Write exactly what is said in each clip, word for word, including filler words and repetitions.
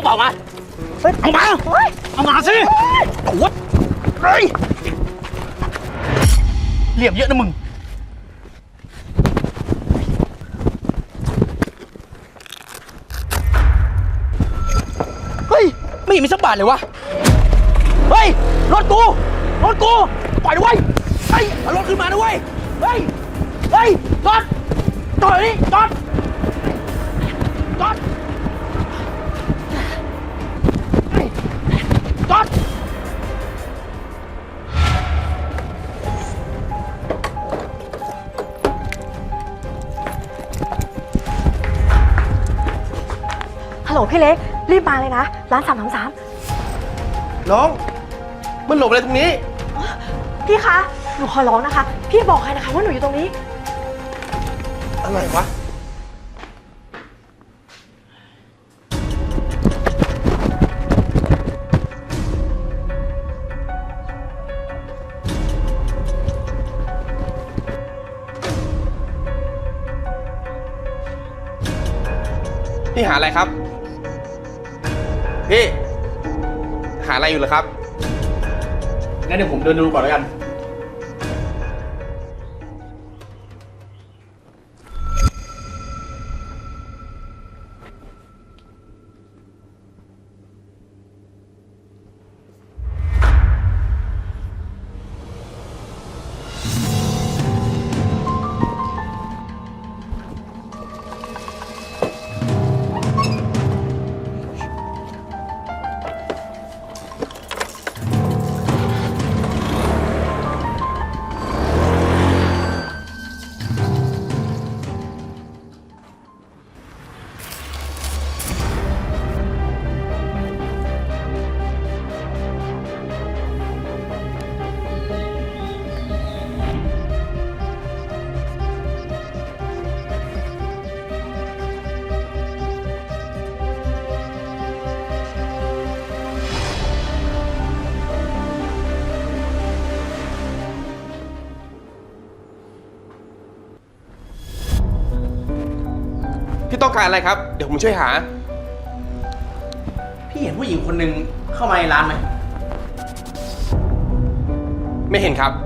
เป๋ามาเอามาเอามาสิโอ้ยเฮ้ยเหลี่ยมเยอะนะมึงเฮ้ยไม่เห็นมีสักบาทเลยวะเฮ้ยรถกูรถกูปล่อยด้วยเฮ้ยเอารถขึ้นมาด้วยเฮ้ยเฮ้ยจอดจอดนี่จอดจอดจอดฮัลโหลพี่เล็กรีบมาเลยนะร้านสามสามสามน้องมันหลบอะไรตรงนี้พี่คะหนูขอร้องนะคะ พี่บอกใครนะคะว่าหนูอยู่ตรงนี้อะไรวะพี่หาอะไรครับพี่หาอะไรอยู่เหรอครับงั้นเดี๋ยวผมเดินดูก่อนแล้วกันพี่ต้องการอะไรครับเดี๋ยวผมช่วยหาพี่เห็นผู้หญิงคนหนึ่งเข้ามาในร้านไหมไม่เห็นครับ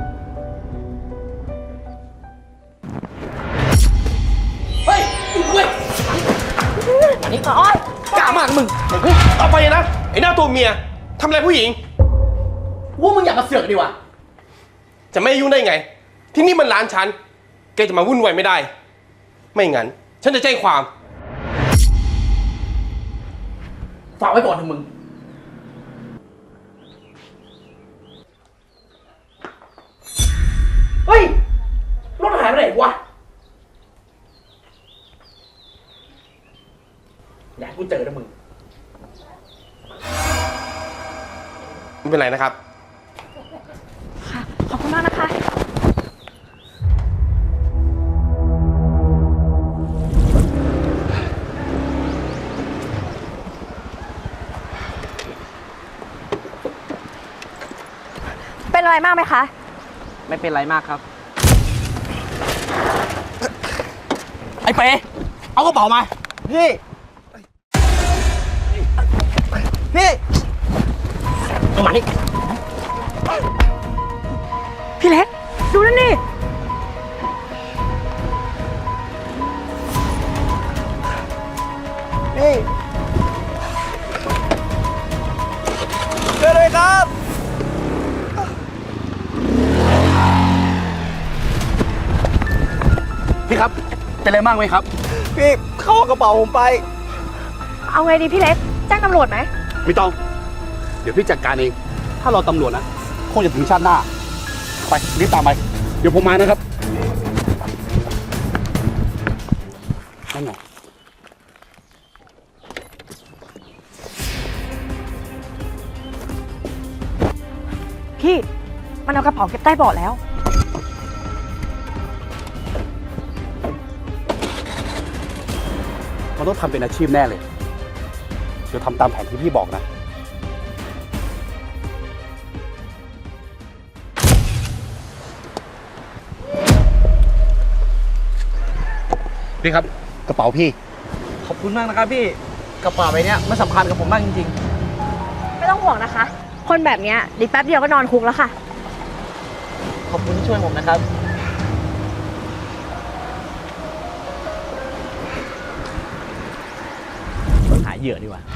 เฮ้ยเว้ยอันนี้อ้อยกล้ามากมึงต่อไปนะไอ้หน้าตัวเมียทำอะไรผู้หญิงว่ามึงอยากมาเสือกดีวะจะไม่ยุ่งได้ไงที่นี่มันร้านฉันแกจะมาวุ่นวายไม่ได้ไม่งั้นฉันจะแจ้งความฝากไว้ก่อนเถอะมึงเฮ้ยรถหายไปไหนวะอยากให้กูเจอนะมึงไม่เป็นไรนะครับค่ะขอบคุณมากนะคะเป็นอะไรมากไหมคะไม่เป็นไรมากครับไอ้เป๋เอากระเป๋ามาพี่พี่เอามานี่พี่เล็กดูนั่นนี่นี่เจอเลยครับพี่ครับเป็นอะไรมากไหมครับพี่เข้ากระเป๋าผมไปเอาไงดีพี่เล็กแจ้งตำรวจไหมไม่ต้องเดี๋ยวพี่จัดการเองถ้าเราตำรวจนะคงจะถึงชาติหน้าไปรีบตามไปเดี๋ยวผมมานะครับนั่นไงพี่มันเอากระเป๋าเก็บใต้เบาะแล้วมันต้องทำเป็นอาชีพแน่เลยเดี๋ยวทำตามแผนที่พี่บอกนะพี่ครับกระเป๋าพี่ขอบคุณมากนะครับพี่กระเป๋าใบเนี้ยมันสำคัญกับผมมากจริงไม่ต้องห่วงนะคะ คนแบบเนี้ยเดียวแป๊บเดียวก็นอนคุกแล้วค่ะๆ ขอบคุณที่ช่วยผมนะครับ หาเหยื่อดีกว่า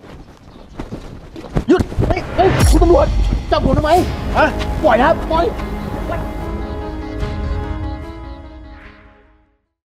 หยุด เฮ้ย เฮ้ย คุณตำรวจ จับผมทำไม ฮะ ปล่อยนะครับ ปล่อย